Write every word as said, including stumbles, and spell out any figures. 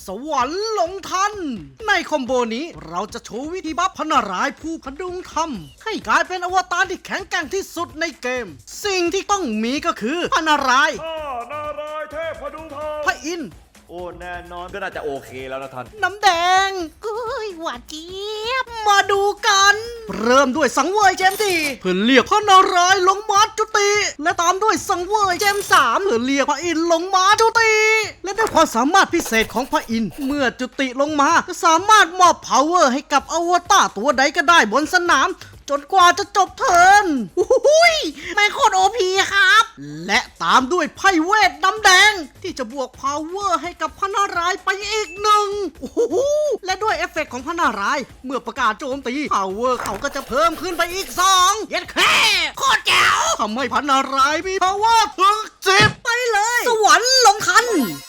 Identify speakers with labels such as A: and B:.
A: สวรรค์ลงทันในคอมโบนี้เราจะโชว์วิธีบัฟพระนารายณ์ผู้พดุงธรรมให้กลายเป็นอวตารที่แข็งแกร่งที่สุดในเกมสิ่งที่ต้องมีก็คือพระนารายณ์
B: ข้านารายณ์เทพพดุงธรรม
A: พระอินทร์
B: โอ้แน่นอนก็น่าจะโอเคแล้วนะท่าน
A: น้ำแดง
C: เอ้ยหวานเจี๊ยบ
A: มาดูกัน เริ่มด้วยสังเวยเจมสี่เพื่อเรียกพระนารายณ์ลงมาจุติ และตามด้วยสังเวยเจมสามเพื่อเรียกพระอินทร์ลงมาจุติ และด้วยความสามารถพิเศษของพระอินทร์เมื่อจุติลงมาจะสามารถมอบ power ให้กับอวตารตัวใดก็ได้บนสนาม จนกว่าจะจบเทิร์น
C: อุ้ยไม่โคตรโอพีครับ
A: และตามด้วยไพ่เวทน้ำแดง ที่จะบวก power ให้กับพระนารายณ์ไปอีกหนึ่งโอ้โหและด้วยเอฟเฟกต์ของพระนารายณ์เมื่อประกาศโจมตี power เขาก็จะเพิ่มขึ้นไปอีกสองเย็ดแค่โคตรแจ๋วทำให้พระนารายณ์มี power ถึงสิบไปเลย สวรรค์ลงทัน